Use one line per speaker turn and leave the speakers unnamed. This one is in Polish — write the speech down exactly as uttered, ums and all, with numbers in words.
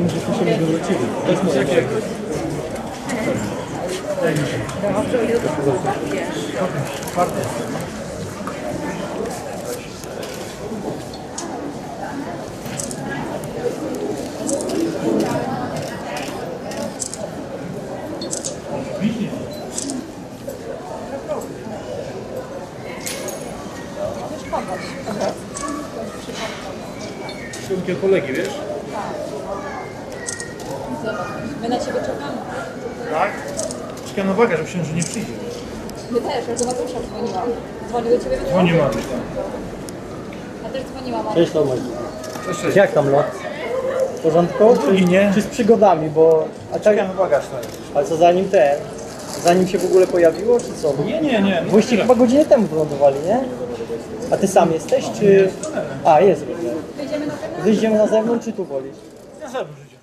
Myślałem, że to się nie wrócili. To jest moje.
Szybkie kolegi, wiesz?
My na ciebie czekamy.
Tak? Czekam na uwagę, że myślałem, że nie przyjdzie.
My też, ja do Mateusza dzwoniłam. Dzwonił do ciebie?
Dzwoni mamy.
Ja też dzwoniłam. ale-
Cześć Tomek.
Cześć, cześć.
Jak tam lot? W porządku?
Drugi, nie?
Czy z przygodami, bo... A tak,
Czekam na bagaż.
ale co zanim ten? Zanim się w ogóle pojawiło, czy co?
Nie, nie, nie.
Wyście chyba godzinę temu wylądowali, nie? A ty sam jesteś, czy... A, jest.
Wyjdziemy na pewno?
Wyjdziemy na zewnątrz, czy tu wolisz?
Ja zewnątrz idzie.